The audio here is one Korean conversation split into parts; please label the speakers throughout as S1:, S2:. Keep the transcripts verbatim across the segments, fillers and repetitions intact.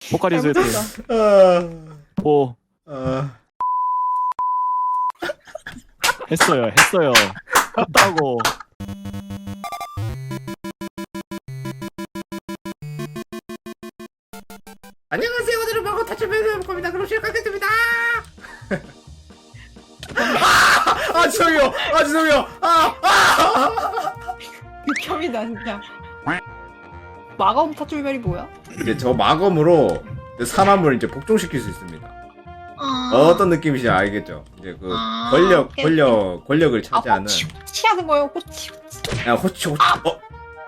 S1: 포카리스
S2: 잘못했다.
S3: 아,
S1: 포
S3: 아.
S1: 했어요 했어요 했다고.
S3: 안녕하세요. 오늘은 마고 타출맨을 해볼 겁니다. 그럼 시작하겠습니다. 아, 아 죄송해요. 아 죄송해요. 아, 아.
S2: 극혐이다 진짜. 마검 타출별이 뭐야?
S3: 이제 저 마검으로 사람을 이제 복종시킬 수 있습니다.
S2: 아...
S3: 어떤 느낌인지 알겠죠? 이제 그
S2: 아,
S3: 권력,
S2: 오케이,
S3: 권력, 권력을
S2: 아,
S3: 차지하는.
S2: 호치 호치 하는 거예요. 호치 호치.
S3: 야, 호치 호치. 어.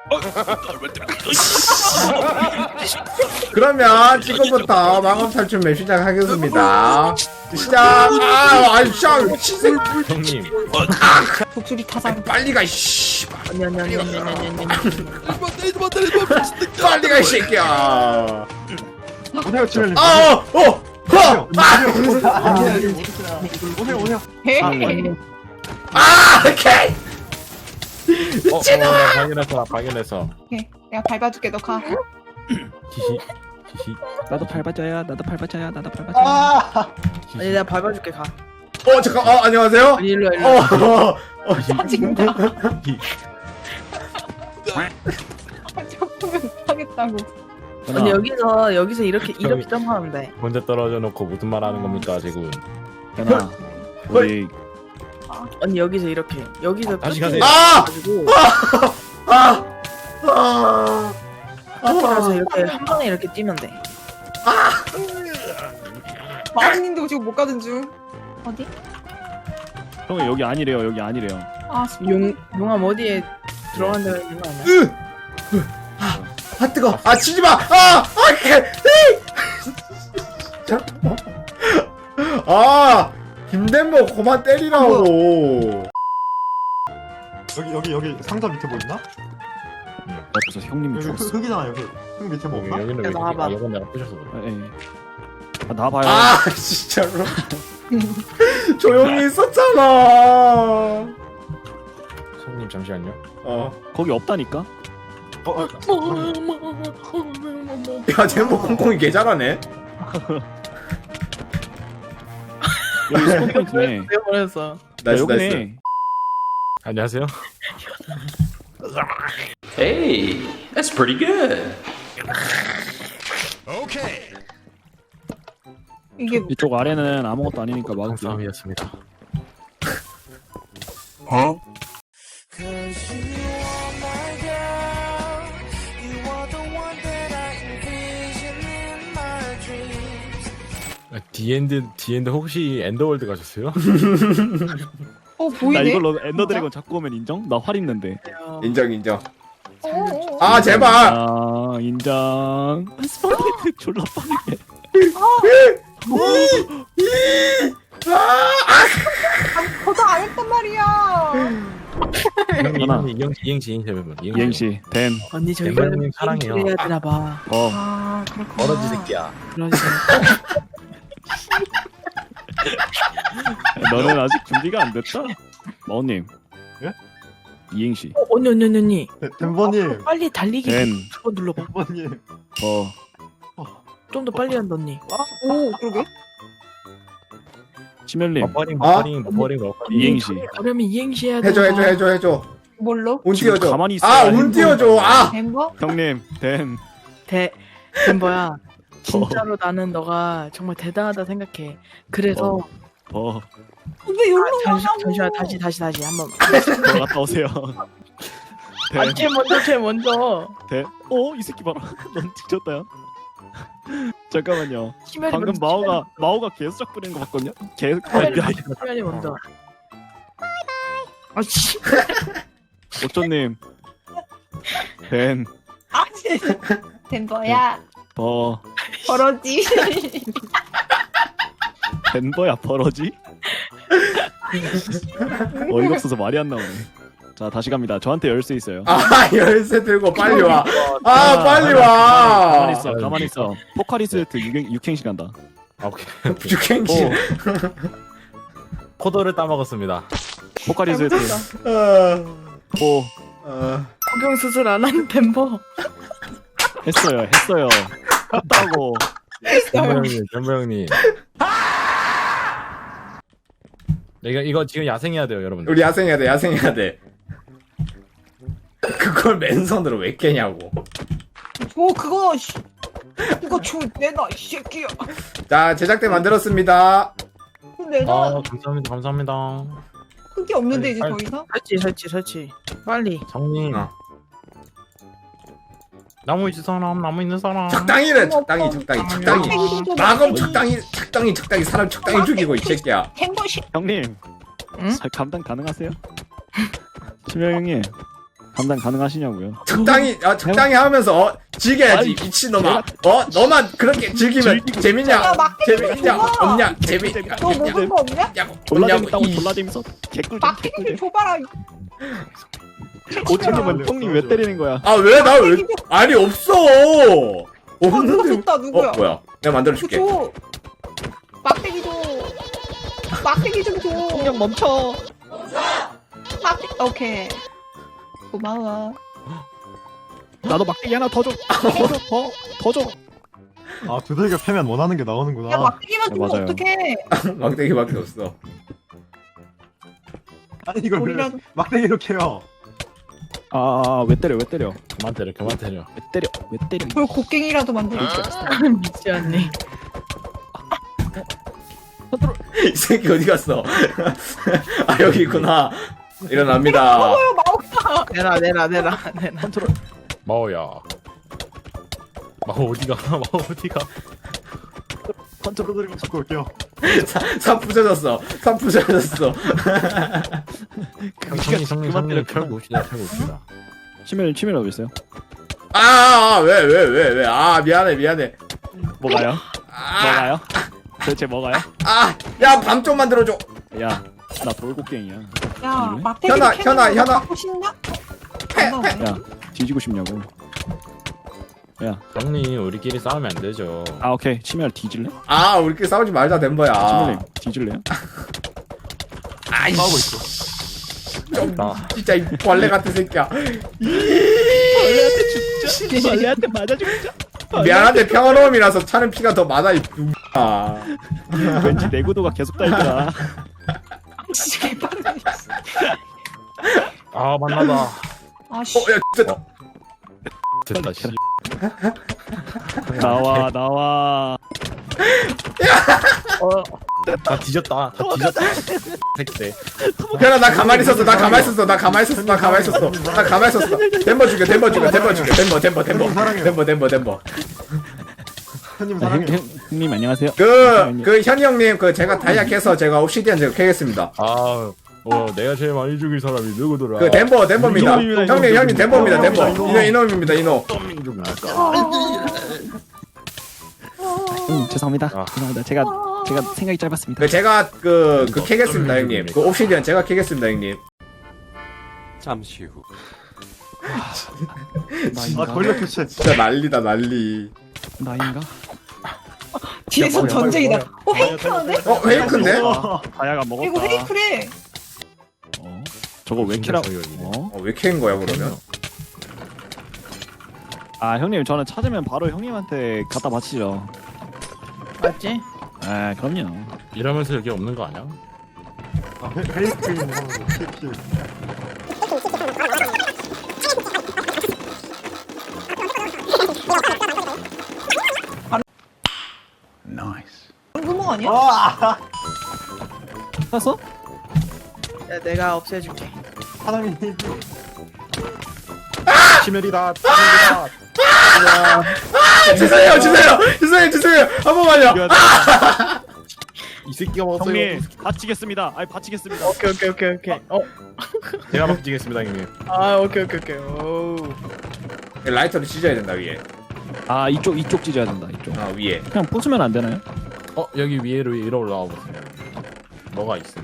S3: 그러면 지금부터 마검 탈출 맵 시작하겠습니다. 시작. 아, 아이 쌍 치세.
S1: 형님
S2: 독수리 타상.
S3: 빨리 가, 씨.
S2: 아니 아니 아니 아니 아니 아니.
S3: 빨리 가, 이 새끼야.
S4: 오세요 치멜님.
S3: 아, 어, 어, 어, 아,
S4: 오세요 오세요.
S2: 헤헤.
S3: 아, 오케이.
S1: 어, 어, 나 발견했어 나 발견했어.
S2: 오케이. 내가 밟아줄게. 너 가.
S1: 히히 히히 나도 밟아줘야 나도 밟아줘야 나도 밟아줘야.
S4: 아.
S5: 아니 내가 밟아줄게 가.
S3: 어, 잠깐. 어, 안녕하세요.
S5: 아니 일로 와 일로
S3: 어,
S5: 와.
S3: 어, 어,
S2: 짜증나. 작품을 하겠다고.
S5: 아니 여기서 여기서 이렇게 이렇게 점프하면 돼.
S6: 혼자 떨어져 놓고 무슨 말 하는 겁니까 지금?
S1: 현아 우리
S5: 아니 여기서 이렇게 여기서
S6: 다시
S5: 끝에
S6: 가세요.
S3: 아,
S5: 가지고
S3: 아, 아,
S5: 끝에 가서
S3: 아,
S5: 이렇게 한 번에 이렇게 뛰면 돼.
S2: 마왕님도 지금 못 가든 중. 어디?
S1: 형 여기 아니래요 여기 아니래요.
S2: 아
S5: 용 용암 어디에 들어간다고 했는 거 아니야?
S3: 으, 으, 아, 아 뜨거. 아 치지 마. 아, 아, 개, 잠깐만. 아, 김대모 그만 때리라고.
S4: 여기 여기 여기 상자 밑에 뭐 있나?
S1: 그래서 형님이
S4: 여기
S1: 죽었어.
S4: 흙, 흙이잖아 여기. 흙 밑에 뭐
S6: 여기,
S4: 없나?
S6: 여기는
S5: 야,
S6: 왜
S5: 나와봐.
S6: 아, 이건 내가 부셔서 그래.
S1: 예. 아 나봐요.
S3: 아, 진짜로. 조용히 있었잖아.
S6: 손님 잠시만요.
S3: 어,
S1: 거기 없다니까.
S4: 어, 어.
S3: 야, 제목 콩콩이 개 잘하네.
S1: 여기 스폰 포인트네.
S5: 내가 보냈어.
S3: 나이스, 나이스.
S1: 여기네.
S6: 안녕하세요.
S7: Hey, that's pretty good.
S2: 이게
S1: 이쪽 아래는 아무것도 아니니까 막을게요.
S6: 싸움이었습니다. 디엔드 디엔드 혹시 엔더월드 가셨어요?
S2: 어
S1: 나
S2: 보이네.
S1: 이걸로 엔더 드래곤 잡고 오면 인정? 나 활 있는데.
S3: 인정, 인정.
S2: 어, 어, 어.
S3: 아, 제발.
S1: 아 인정. 스폰 포인트 졸라 빠르게.
S2: 저도 안 했단 말이야.
S1: 하나.
S6: 이행시 이행시 이행시 해보면
S1: 이행시 된.
S5: 언니 저기
S6: 엠버님 사랑해요.
S5: 해야 되나 봐.
S1: 어.
S2: 아 그렇구나.
S6: 버러지 새끼야.
S5: 그러지.
S1: 너는 아직 준비가 안 됐다. 마오님.
S4: 예?
S1: 이행시
S5: 어, 언니 언니 언니 언니.
S4: 네, 덴버님.
S5: 빨리 달리기
S1: 된.
S5: 한번 눌러봐.
S4: 덴버님.
S1: 어.
S5: 좀 더 빨리 한다 언니.
S2: 오 그러게.
S1: 치멜님.
S6: 버퍼링
S3: 어?
S6: 버퍼링 버퍼링 버퍼링.
S1: 이행시.
S5: 그러면 이행시 해야 돼.
S3: 해줘, 해줘, 해줘, 해줘.
S2: 뭘로?
S3: 운
S1: 지금
S3: 띄워줘.
S1: 가만히 있어야
S3: 아,
S1: 해.
S3: 운 띄워줘. 아,
S2: 덴버?
S1: 형님 된.
S5: 대 덴버야. 진짜로 나는 너가 정말 대단하다 생각해. 그래서
S1: 어.
S2: 왜 여기로
S5: 잠시
S2: 나가고?
S5: 잠시만 다시 다시 다시 한번.
S1: 들어갔다 오세요. 된.
S5: 아쟤 먼저 쟤 먼저.
S1: 된. 어? 이 새끼 봐라. 넌 뒤졌다 야. 잠깐만요.
S5: 치멜이
S1: 방금
S5: 먼저,
S1: 마오가 마오가 계속 뿌리는 거 봤거든요. 계속.
S5: 치멜이 먼저, 치멜이 먼저. 아 씨.
S1: 옥조님. 된.
S2: 아 진짜. 덴버야.
S1: 버.
S2: 버러지.
S1: 덴버야 버러지? 어이가 없어서 말이 안 나오네. 자 다시 갑니다. 저한테 열쇠 있어요.
S3: 아, 열쇠 들고 빨리 와. 아,
S1: 아,
S3: 빨리
S1: 가만히
S3: 와.
S1: 있어. 가만히 있어. 포카리스트 육행 육행시 간다.
S6: 아, 오케이.
S3: 육행시.
S1: 어.
S6: 포도를 따먹었습니다.
S1: 포카리스트
S3: 어,
S1: 포
S3: 어.
S5: 폭경 수술 안 하는 덴버.
S1: 했어요. 했어요. 했다고.
S6: 덴버 형님, 덴버 형님. 이거 이거 지금 야생해야 돼요, 여러분들.
S3: 우리 야생해야 돼 야생해야 돼. 그걸 맨손으로 왜 깨냐고.
S2: 오 그거 씨. 그거 줘 내놔 이 새끼야.
S3: 자 제작대 만들었습니다.
S2: 그거 내놔.
S6: 아, 감사합니다, 감사합니다.
S2: 흙이 없는데 이제
S6: 아니,
S2: 더 이상.
S5: 설치 설치 설치. 빨리.
S6: 형님.
S3: 어.
S6: 나무 있는 사람, 나무 있는 사람.
S3: 적당히래 적당히 적당히 적당히. 마검 적당히 적당히 적당히 사람 적당히 죽이고 이 새끼야.
S2: 햄버시.
S1: 형님.
S5: 응?
S1: 잘 감당 가능하세요? 심야 형님. 감당 가능하시냐고요?
S3: 적당히 아 적당히 하면서 어, 즐겨야지
S1: 아니,
S3: 미친놈아. 어 너만 그렇게 즐기면
S1: 즐기고
S3: 재밌냐?
S2: 야, 막대기
S3: 재밌냐?
S2: 좀 줘봐.
S3: 없냐? 재밌냐?
S2: 너 먹은 거 없냐?
S3: 없냐고
S1: 졸라
S3: 없냐고
S1: 재밌다고
S3: 이
S1: 졸라 재밌어. 개꿀 좀
S2: 막대기
S1: 개꿀
S2: 좀 줘봐라.
S1: 오천님은 형님 왜 때리는 거야?
S3: 아 왜 나 왜 아니 없어
S2: 어 누가
S3: 없는데
S2: 줬다 누구야?
S3: 어 뭐야 내가 만들어줄게.
S2: 그거 줘. 막대기 줘. 막대기 좀 줘.
S1: 형님 멈춰.
S2: 막대기. 오케이. 고마워.
S1: 나도 막대기 하나 더 줘. 더 줘. 더. 더 줘.
S4: 아 두들겨 패면 원하는 게 나오는구나.
S2: 야 막대기만
S1: 네,
S2: 주면
S1: 맞아요.
S2: 어떡해.
S3: 막대기밖에 없어.
S4: 아니 이걸 왜
S2: 우리라도.
S4: 막대기로 캐요?
S1: 아, 왜 때려? 왜 때려?
S6: 그만 때려, 그만 때려.
S1: 왜 때려? 왜 때려?
S2: 그걸 곡괭이라도 만들어줘.
S5: 미치었네.
S3: 이 새끼 어디 갔어? 아 여기 있구나. 일어납니다.
S2: 먹어요 마오카.
S5: 내라 내라 내라 내라.
S1: 컨트롤.
S6: 마오야. 마오 어디가? 마오 어디가?
S1: 컨트롤 들고
S4: 잡고 올게요.
S3: 삽 부서졌어. 삽 부서졌어.
S6: 형님, 형님, 형님, 털고 옵시다, 털고 옵시다.
S1: 치밀 치밀 어디 있어요?
S3: 아왜 왜 왜 왜 아 미안해 미안해.
S1: 뭐가요?
S3: 아,
S1: 뭐가요? 도대체 뭐가요?
S3: 아야 밤 좀 만들어줘.
S1: 야, 나 돌고갱이야.
S2: 야
S1: 왜?
S2: 막대기
S3: 현아, 현아, 현아.
S2: 갖고 싶냐?
S1: 야, 뒤지고 싶냐고. 야,
S6: 형님, 우리끼리 싸우면 안 되죠.
S1: 아 오케이. 치밀 뒤질래?
S3: 아 우리끼리 싸우지 말자 덴버야.
S1: 치밀님 뒤질래요?
S3: 아이씨.
S4: 싸우고 있어.
S6: 나
S3: 진짜 이 벌레 같은 새끼야.
S1: 벌레한테 죽자. 벌레한테 맞아 죽자.
S3: 미안한데 평화로움이라서 차는 피가 더 많아 이 아.
S1: 왠지 내구도가 계속 달더라.
S2: 씨 개빡네.
S6: 아, 만나다.
S2: 아씨.
S3: 어야 진짜
S6: 됐다, 씨.
S1: 나와 나와.
S6: 다 뒤졌다, 다 뒤졌다. 새끼.
S3: 현아 나 가만히 있었어. 나 가만히 있었어. 나 가만히 있었어. 나 가만히 있었어. 나 가만히 있었어. 덴버 죽여. 덴버 죽여. 덴버 죽여. 덴버 덴버 덴버 덴버 덴버 덴버.
S4: 형님
S1: 자, 형,
S4: 사랑해요.
S1: 형, 형님 안녕하세요.
S3: 그, 그, 현이 형님, 그, 제가 다이아 캐서 제가 옵시디언 제가 캐겠습니다.
S6: 아, 어, 내가 제일 많이 죽인 사람이 누구더라?
S3: 그, 덴버, 덴버입니다.
S1: 이놈입니다,
S3: 형님, 형님, 덴버입니다, 덴버.
S1: 이놈.
S3: 이노, 이놈입니다, 이노.
S6: 좀 할까?
S1: 형 죄송합니다.
S6: 아.
S1: 죄송합니다. 제가 제가 생각이 짧았습니다.
S3: 그, 제가, 그, 그, 캐겠습니다, 형님. 그, 옵시디언 제가 캐겠습니다, 형님.
S7: 잠시 후.
S4: 아 걸려 캐치.
S3: 진짜 난리다, 난리.
S1: 나인가?
S2: 뒤에서
S6: 뭐야,
S2: 전쟁이다.
S6: 뭐야,
S2: 어 페이크하는데?
S3: 어, 페이크인데? 어,
S1: 다야가 먹었다.
S2: 이거 페이크래.
S1: 어? 저거 왜 캐라?
S6: 진짜
S1: 어?
S3: 왜 캐인 거야, 그러면?
S1: 아 형님 저는 찾으면 바로 형님한테 갖다 바치죠.
S5: 맞지?
S1: 아 그럼요.
S6: 이러면서 여기 없는 거 아니야?
S4: 아 페- 페이스크림 하면서 킬.
S2: 구멍 아니야?
S4: 아
S1: 샀어?
S5: 야, 내가 없애줄게.
S4: 사람이
S6: 치멜이다, 치멜이다.
S3: 아, 죄송해요, 죄송해요, 죄송해요, 죄송해요. 한 번만요.
S6: 이 새끼가 먹었어요.
S1: 형님 바치겠습니다. 아니 바치겠습니다.
S5: 오케이 오케이 오케이 오케이. 어.
S6: 제가 먹지겠습니다, 형님.
S5: 아 오케이 오케이 오케이. 오.
S3: 라이터를 찢어야 된다, 위에.
S1: 아 이쪽 이쪽 찢어야 된다. 이쪽.
S3: 어, 위에.
S1: 그냥 부수면 안 되나요?
S6: 어, 여기 위로 위로 올라와 보세요. 뭐가 있어?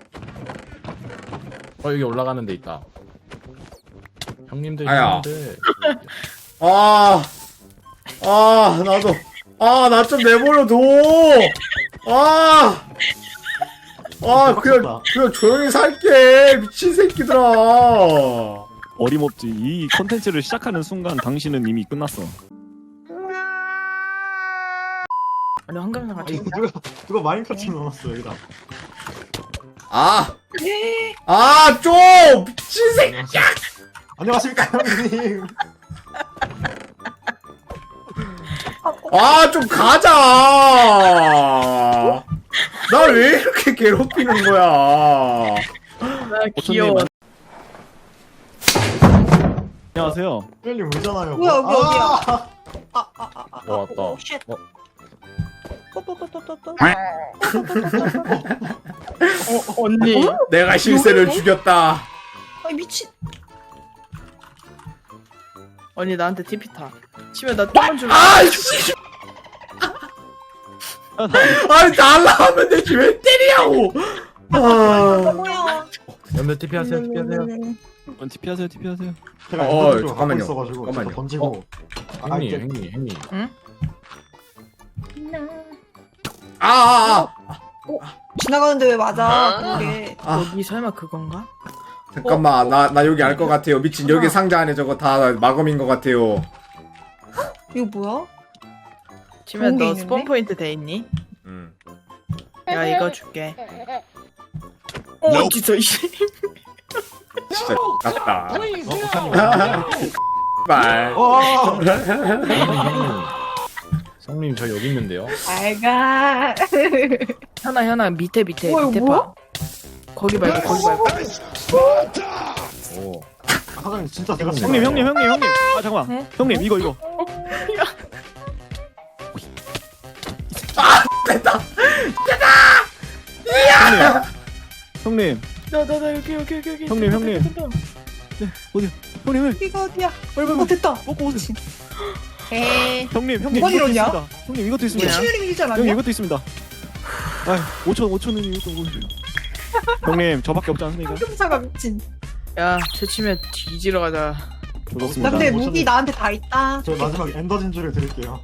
S6: 어, 여기 올라가는 데 있다. 형님들,
S3: 아야.
S6: 형님들.
S3: 아, 아, 나도. 아, 나 좀 내버려둬. 아, 아, 그냥, 그냥 조용히 살게. 미친 새끼들아.
S1: 어림없지. 이 컨텐츠를 시작하는 순간 당신은 이미 끝났어.
S5: 아니 황금사
S4: 아
S5: 같이.
S4: 이거 누가 누가 마인크래프트 넣어놨어 여기다.
S3: 아,
S2: 예.
S3: 아, 좀 미친 새끼야.
S4: 안녕하십니까 형님.
S3: 아, 좀 가자. 나 왜 이렇게 괴롭히는 거야?
S5: 아, 귀여워.
S1: 안녕하세요.
S4: 형님 울잖아요.
S2: 뭐야, 여기 어디야?
S4: 아!
S2: 아아아아
S6: 어, 왔다.
S2: 오, 쉣.
S6: 어.
S2: 또또또또또.
S5: 어, 언니.
S3: 내가 실세를 죽였다.
S2: 아 미친.
S5: 언니 나한테 티피 타. 치면 나 좀만 줄.
S3: 아, 씨. 아니, 날라가면 되지 왜 때리냐고. 아,
S2: 뭐야?
S6: 연몇 티피 하세요, 티피 하세요.
S1: 어, 티피 하세요, 티피 하세요.
S4: 제가
S3: 어,
S4: 엔더진주 갖고
S3: 잠깐만요.
S4: 있어가지고
S3: 잠깐만요.
S4: 제가 던지고. 아,
S6: 형님,
S4: 이제
S6: 형님, 형님.
S3: 아, 아, 아,
S2: 지나가는데 왜 맞아? 그게.
S3: 아.
S5: 여기 설마 그건가?
S3: 잠깐만, 나, 나 여기 알 것 같아요. 미친, 여기 상자 안에 저거 다 마검인 것 같아요.
S2: 이거 뭐야?
S5: 치면
S2: 좋은 게
S5: 너
S2: 있는데?
S5: 스폰 포인트 돼 있니?
S3: 음.
S5: 야 이거 줄게. 어 진짜 이.
S3: 진짜 같다. 말.
S4: 어.
S6: 성님 저 여기 있는데요.
S2: 알가.
S5: 현아 현아 밑에 밑에
S2: 뭐야,
S5: 밑에
S2: 뭐야?
S5: 봐. 거기 말고 거기 말고.
S6: 오.
S4: 아, 사장님 진짜 제가
S1: 형님, 형님, 형님, 형님. 아 잠깐만.
S5: 네?
S1: 형님 이거 이거. 형님,
S5: 나나나 여기 여기 여기 여기.
S1: 형님, 형님. 형님, 형님,
S2: 이거 어디야?
S1: 빨리
S2: 어
S1: 빨리
S2: 됐다.
S1: 먹고 오세요.
S2: 에이.
S1: 형님, 형님
S2: 뭐가
S1: 이것도
S2: 이러냐?
S1: 있습니다. 형님 이것도 있습니다.
S2: 치유림 일지
S1: 형님
S2: 않았냐?
S1: 이것도 있습니다. 아, 오천 오천 원 이것도 뭐. 형님 저밖에 없지 않습니까?
S2: 황금사가 미친.
S5: 야 채치면 뒤지러 가자.
S2: 나
S1: 좋습니다.
S2: 근데
S4: 오천
S2: 무기
S4: 원.
S2: 나한테 다 있다.
S4: 저 마지막 엔더진주를 드릴게요.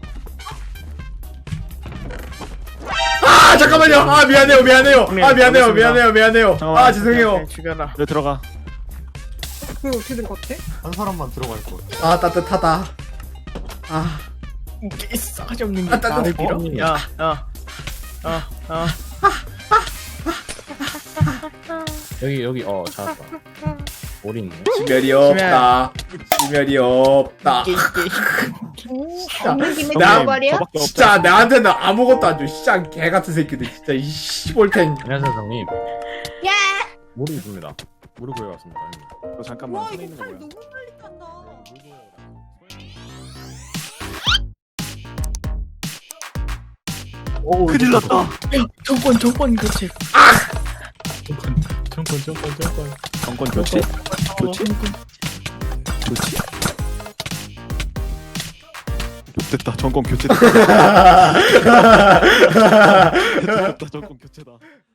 S3: 아, 잠깐만요. 아, 미안해요, 미안해요.
S1: 형님,
S3: 아, 미안해요,
S1: 알겠습니다.
S3: 미안해요, 미안해요.
S1: 잠깐만.
S3: 아, 죄송해요.
S5: 네, 죽여라.
S1: 네 들어가.
S2: 그거 어떻게 될 것 같아?
S4: 한 사람만 들어갈 거예요.
S3: 아, 따뜻하다. 아,
S5: 이게 싸가지 없는 게
S3: 아, 따뜻해.
S5: 나를 밀어. 야, 야, 야, 야.
S6: 여기 여기 어 찾았다. 오리 있네.
S3: 지멸이 없다. 지멸이 없다.
S5: 이게 이게.
S2: 없는 김에
S3: 나-
S2: 죽어버려?
S1: 저밖에 없다.
S3: 진짜 나한테는 아무것도 안 줘. 진짜 개 같은 새끼들. 진짜 이 씨볼텐.
S6: 안녕하세요, 성님.
S2: 야!
S6: 오리 있습니다. 오리 구해왔습니다. 형님.
S1: 너 잠깐만
S2: 와
S1: 손에
S2: 이거
S1: 있는 거
S2: 팔
S1: 뭐야?
S2: 너무 빨리 탄다.
S1: 큰일 났다.
S5: 정권 정권 교체.
S6: 정권, 정권, 정권, 정권.
S1: 정권 교체? 교체? 교체? 됐다. 정권 교체다. 됐다. 정권 교체다.